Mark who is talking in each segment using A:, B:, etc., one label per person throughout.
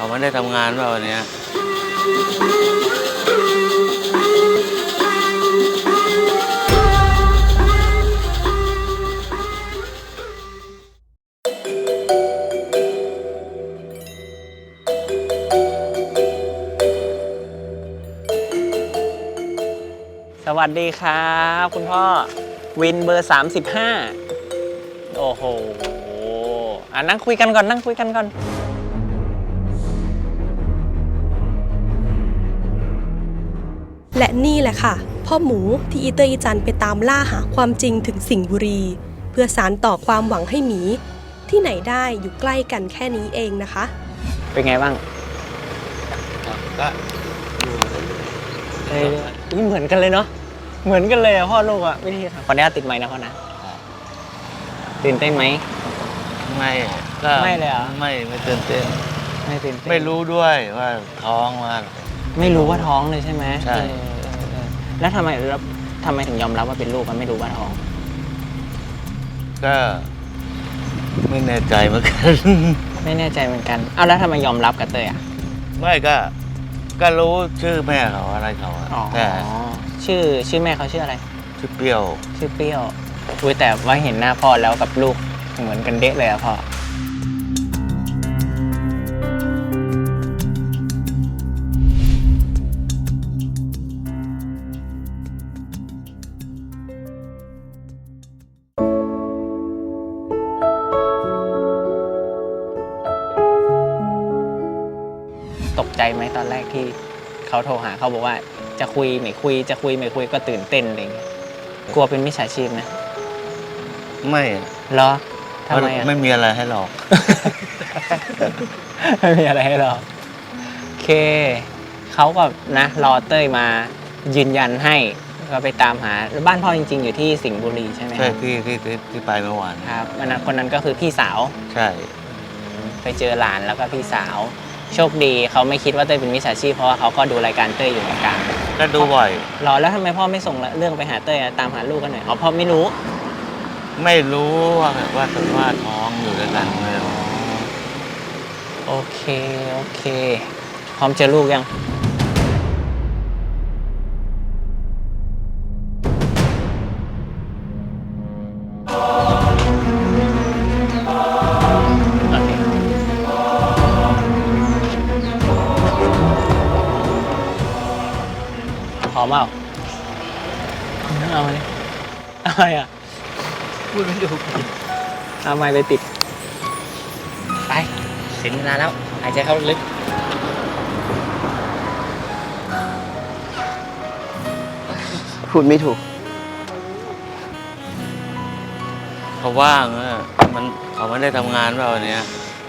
A: เขาไม่ได้ทำงานเปล่าวันนี้
B: สวัสดีครับคุณพ่อวินเบอร์35โอ้โหนั่งคุยกันก่อน
C: และนี่แหละค่ะพ่อหมูที่อีเตอร์อีจันไปตามล่าหาความจริงถึงสิงห์บุรีเพื่อสานต่อความหวังให้หมีที่ไหนได้อยู่ใกล้กันแค่นี้เองนะคะ
B: เป็นไงบ้าง
A: ก็
B: เหมือนกันเลยเนาะเหมือนกันเลยอะพ่อลูกอะวิธีทำขออนุญาตติดไมค์นะพ่อนะตื่นเต้นไหม
A: ไม่ก็
B: ไม่เลยเหรอ
A: ไม่ตื่นเต้นไม่รู้ด้วยว่าท้องว่า
B: ไม่รู้ว่าท้องเลยใช่ไหม
A: ใช่
B: แล้วทำไมถึงยอมรับว่าเป็นลูกกันไม่รู้ว่าท้อง
A: ก็ไม่แน่ใจเหมือนกัน
B: ไม่แน่ใจเหมือนกันเอาแล้วทำไมยอมรับกับเตยอะ
A: ไม่ก็รู้ชื่อแม่เขาอะไรเขาแต่
B: ชื่อแม่เขาชื่ออะไร
A: ชื่อเปรี้ยว
B: อุ้ยแต่ว่าเห็นหน้าพ่อแล้วกับลูกเหมือนกันเด๊ะเลยอะพ่อตกใจไหมตอนแรกที่เขาโทรหาเขาบอกว่าจะคุยไม่คุยก็ตื่นเต้นอะไรอย่างเงี้ยกลัวเป็นมิจฉาชีพนะ
A: ไม่
B: เหรอทำไมอ่ะ
A: ไม่มีอะไรให้หลอก
B: ไม่มีอะไรให้หลอกโอเคเขาก็นะรอเต้ยมายืนยันให้ก็ไปตามหาบ้านพ่อจริงๆอยู่ที่สิงห์บุรีใช่ไหม
A: ใช่ที่ไปเมื่อวาน
B: ครับคนนั้นก็คือพี่สาว
A: ใช่
B: ไปเจอหลานแล้วก็พี่สาวโชคดีเขาไม่คิดว่าเต้ยเป็นมิจฉาชีพเพราะว่าเขาก็ดูรายการเต้ยอยู่เหมือนกัน
A: ก็ดูบ่อย
B: รอแล้วทำไมพ่อไม่ส่งเรื่องไปหาเต้ยตามหาลูกกันหน่อยพ่อไม่รู้
A: ว่าท้องอยู่ด้วยกันไม่รู้
B: โอเคพร้อมเจอลูกยังพร้อมเปล่าเอาไหมอะไรอ่ะพูดไม่ถูกเอาไม้ไปติดไปถึงเวลาแล้วหายใจเข้าลึกพูดไม่ถูก
A: เขาว่างเขาไม่ได้ทำงานเปล่าวันนี้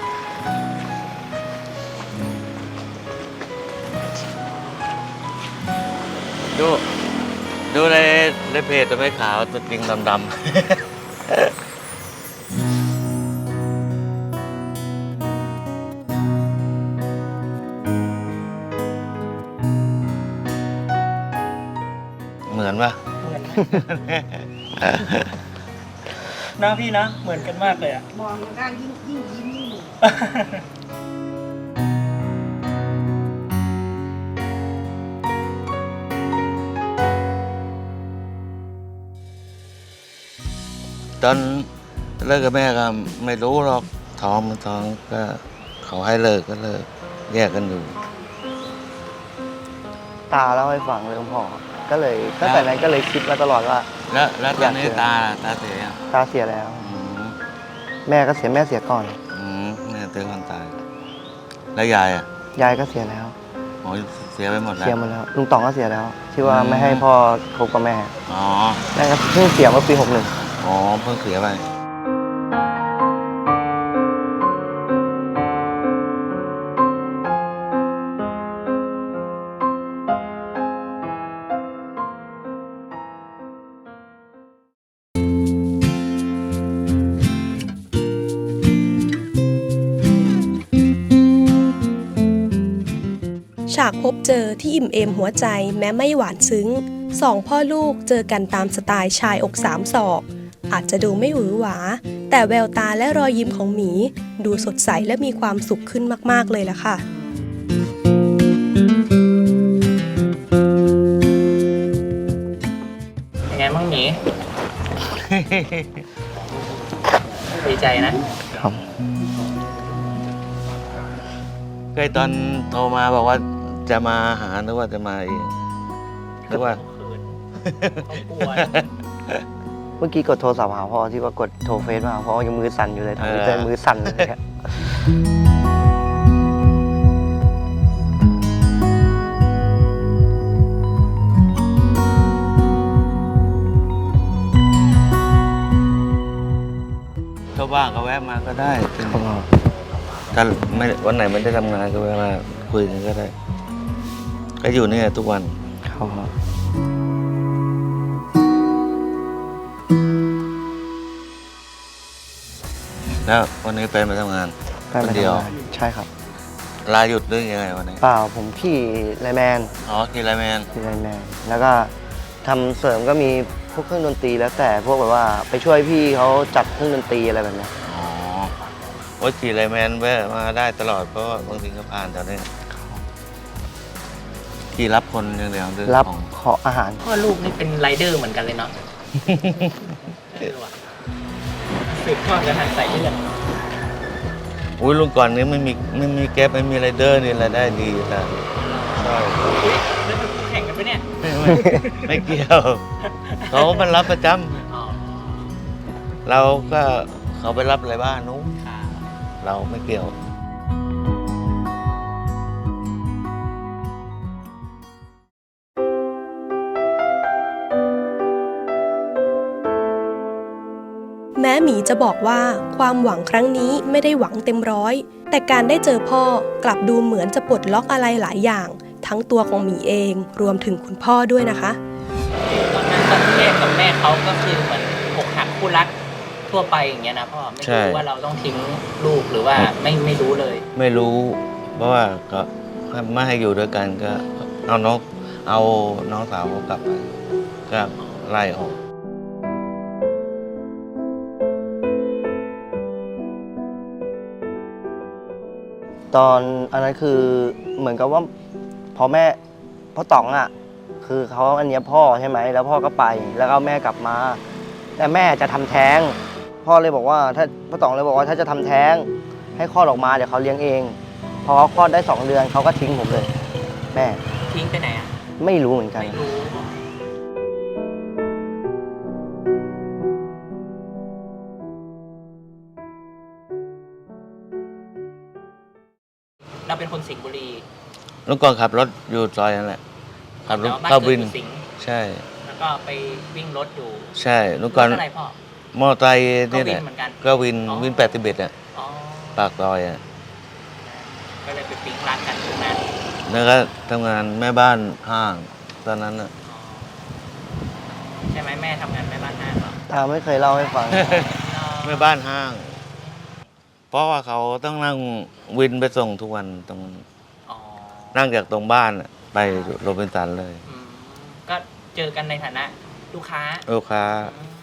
A: ดูในเพจตัวไม่ขาวตัวจริงดำเหมือนปะ
B: นะพี่นะเหมือนกันมากเลยอะ
D: มองด้านยิ่งยิ้มยิ่งหนู
A: ตอนเลิกกับแม่ก็ไม่รู้หรอกท้องก็เขาให้เลิกก็เลิกแยกกันอยู่
E: ตาเล่าให้ฟังเลยคุณพ่อก็เลยตั้งแต่นั้นก็เลยคิดมาตลอดว่า
A: แล้วตอนนี้ตาเสียยัง
E: ตาเสียแล้วแม่ก็เสียแม่เสียก่อน
A: แม่เตือนคนตายแล้วยายอ่ะ
E: ยายก็เสียแล้ว
A: โอ้ยเสียไปหมดแล้ว
E: เสียหมดแล้วลุงต๋องก็เสียแล้วที่ว่าไม่ให้พ่อคบกับแม่แม่ก็เพิ่งเสียเมื่อปี61
A: อ๋อเพิ่งเสียไป
C: ฉากพบเจอที่อิ่มเอมหัวใจแม้ไม่หวานซึ้งสองพ่อลูกเจอกันตามสไตล์ชายอกสามศอกอาจจะดูไม่หวือหวาแต่แววตาและรอยยิ้มของหมีดูสดใสและมีความสุขขึ้นมากๆเลยล่ะค่ะ
B: ยังไงบ้างหมี ดีใจนะ
E: ครับ
A: เคยตอนโทรมาบอกว่าจะมาหาหรือว่าจะมาเองหรือว่า
B: เขากลัว
E: เมื่อกี้กดโทรศัพท์หาพ่อที่ว่ากดโทรเฟซมาหาพ่อยังมือสั่นอยู่เลยทำ
A: เออ
E: ใจมือสั่นเลยครับ
A: ถ้าว่างก็แวะมาก็ได้
E: ครับ
A: ถ้าไม่วันไหนไม่ได้ทำงานก็แวะมาคุยกันก็ได้ ก็อยู่นี่ทุกวัน
E: ครับ
A: แล้ววันนี้ไปมาทำงาน
E: ไป
A: คน
E: มา
A: เดียว
E: ทำงานใช่ครับ
A: ลาหยุดหรือยังไงวันนี้
E: เปล่าผมขี่ไลน์แมน
A: อ๋อกีฬาแมน
E: ขี่ไลน์แมนแล้วก็ทำเสริมก็มีพวกเครื่องดนตรีแล้วแต่พวกแบบว่าไปช่วยพี่เขาจัดเครื่องดนตรีอะไรแบบเนี้ย
A: อ๋อโอ้ยกีฬาแมนแวะมาได้ตลอดเพราะว่าบางทีก็ผ่านแถวนี้ขี่รับคนอย่างเดียวหรือ
E: รับ
A: ของ
E: ขออาหาร
B: พ่อลูกนี่เป็นไรเดอร์เหมือนกันเลยเนาะสืบทอดกันทางสายเลือด
A: อุ้ยลุงก่อนนี้ไม่มีแก๊ปไม่มีไรเดอร์นี่รายได้ดีแต่ใช่
B: แล้วเป็นคู่แข่งกันปะเนี่ย
A: ไม่เกี่ยว เขามันรับประจ
B: อ๋อ
A: ำเราก็เขาไปรับอะไรบ้านนู้น
B: ค่ะ
A: เราไม่เกี่ยว
C: แม้หมีจะบอกว่าความหวังครั้งนี้ไม่ได้หวังเต็มร้อย แต่การได้เจอพ่อกลับดูเหมือนจะปลดล็อกอะไรหลายอย่าง ทั้งตัวของหมีเองรวมถึงคุณพ่อด้วยนะคะ
B: ตอนนั้นตอนที่แยกกับแม่เขาก็คือเหมือนอกหักคู่รักทั่วไปอย่างเงี้ยนะพ่อไม่
A: ใช่
B: รู้ว่าเราต้องทิ้งลูกหรือว่าไม่รู้เลย
A: ไม่รู้ เพราะว่าก็ไม่ให้อยู่ด้วยกันก็เอาน้องสาวเขากลับไปก็ไล่ออก
E: ตอนอันนั้นคือเหมือนกับว่าพ่อต๋องอ่ะคือเขาอันเนี้ยพ่อใช่ไหมแล้วพ่อก็ไปแล้วก็เอาแม่กลับมา แต่แม่จะทำแท้งพ่อเลยบอกว่าถ้าพ่อต๋องเลยบอกว่าถ้าจะทำแท้งให้คลอดออกมาเดี๋ยวเขาเลี้ยงเองพอเขาคลอดได้2 เดือนเขาก็ทิ้งผมเลย แม่
B: ทิ้งไปไหนอ่ะ
E: ไม่รู้เหมือนกัน
B: ไม่รู้เราเป็นคนสิงห์บุรี
A: ลุงก่อนขับรถอยู่ซอยนั่นแหละขับรถ
B: แล้วบ้าน
A: เข้า
B: เกิ
A: วิ
B: ด
A: น
B: อยู่สิงห์
A: ใช่
B: แล้วก็ไปวิ่งรถอยู่
A: ใช่ลุงก่อน
B: รถอะไรพ่อ
A: มอเตอร์ไซค์
B: ก็
A: นี่
B: วิ
A: แห
B: น
A: ละ
B: เหมือนกัน
A: ก็วิน
B: อ๋อ
A: วิน81อ่ะ
B: อ๋อ
A: ปากซอยอ่ะ
B: ก็เลยไปปิ๊งรักกันตรงนั้น
A: แล้วก็ทำงานแม่บ้านห้างตอนนั้นอ่ะ
B: อ๋อใช่ไหมแม่ทำงานแม่บ้านห้างเหรอ
E: ตาไม่เคยเล่าให้ฟัง
A: แม่บ้านห้าง เพราะว่าเขาต้องนั่งวินไปส่งทุกวันตรง
B: อ๋อ
A: นั่งจากตรงบ้านอะไปโรบินสันเลย
B: อืมก็เจอกันในฐานะลูกค้า
A: ลูกค้า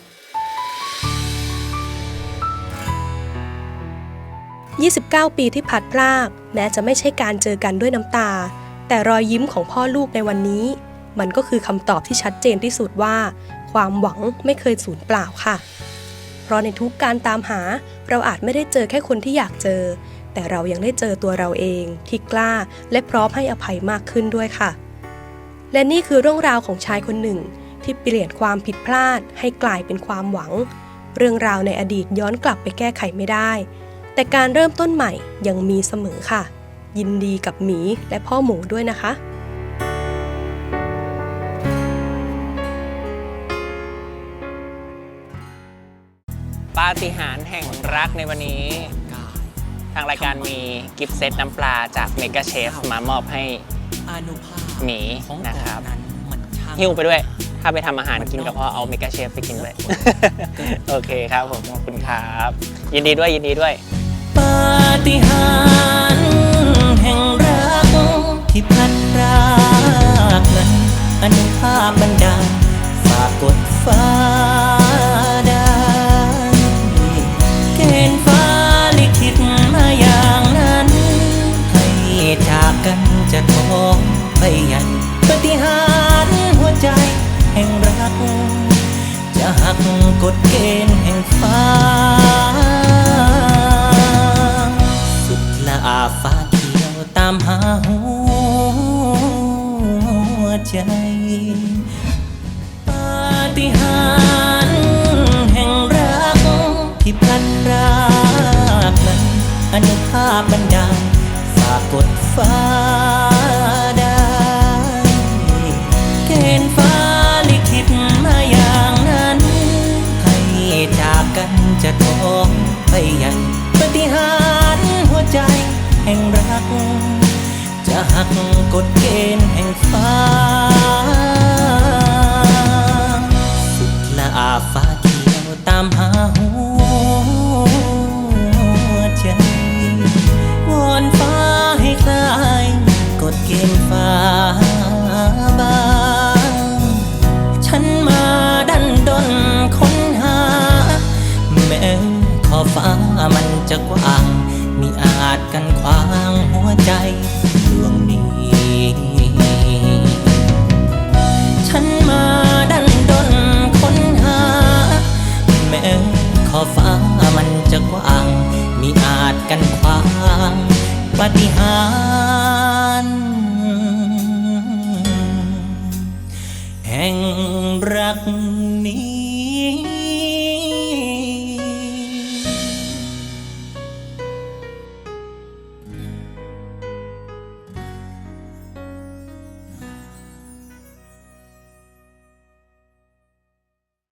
C: 29 ปีที่พลัดพราก แม้จะไม่ใช่การเจอกันด้วยน้ำตา แต่รอยยิ้มของพ่อลูกในวันนี้ มันก็คือคำตอบที่ชัดเจนที่สุดว่า ความหวังไม่เคยสูญเปล่าค่ะ เพราะในทุกการตามหาเราอาจไม่ได้เจอแค่คนที่อยากเจอ แต่เรายังได้เจอตัวเราเองที่กล้าและพร้อมให้อภัยมากขึ้นด้วยค่ะ และนี่คือเรื่องราวของชายคนหนึ่ง ที่เปลี่ยนความผิดพลาดให้กลายเป็นความหวัง เรื่องราวในอดีตย้อนกลับไปแก้ไขไม่ได้ แต่การเริ่มต้นใหม่ยังมีเสมอค่ะ ยินดีกับหมีและพ่อหมูด้วยนะคะ
B: ปาฏิหาริย์แห่งรักในวันนี้ ทางรายการมีกิฟต์เซตน้ำปลาจากเมกาเชฟมามอบให้หมีนะครับหิ้วไปด้วย ถ้าไปทำอาหารกินกับพ่อเอาเมกาเชฟไปกินเลย โอเคครับผมขอบคุณครับ ยินดีด้วยยินดีด้วย
F: ปาฏิหาริย์แห่งรักที่พลัดพรากนั้นอนุภาพบันดาลฝากกดฟ้าได้เกณฑ์ฟ้าลิขิตมาอย่างนั้นให้จากกันจะท้องไปใหญ่ปาฏิหาริย์หัวใจแห่งรักจะหักกฎเกณฑ์แห่งฟ้าสุดละอาฟ้าเขียวตามหาหัวใจปาฏิหาริย์แห่งรักที่พลัดพรากนั้นอนุภาพบันดาลฝากกดฟ้าได้เกณฑ์ฟ้าลิขิตมาอย่างนั้นให้จากกันจะท้องไปใหญ่ปาฏิหาริย์หัวใจแห่งรักจะหักกฎเกณฑ์แห่งฟ้าสุดละอาฟ้าเขียวตามหาหัวใจวอนฟ้าให้คลายกฎเกณฑ์ฟ้าบางฉันมาดันดนค้นหาแม้ขอบฟ้ามันจะกว้างมิอาจกันขวางหัวใจดวงนี้ฉันมาดันดนค้นหาแม้ขอบฟ้ามันจะกว้างมิอาจกันขวางปาฏิหา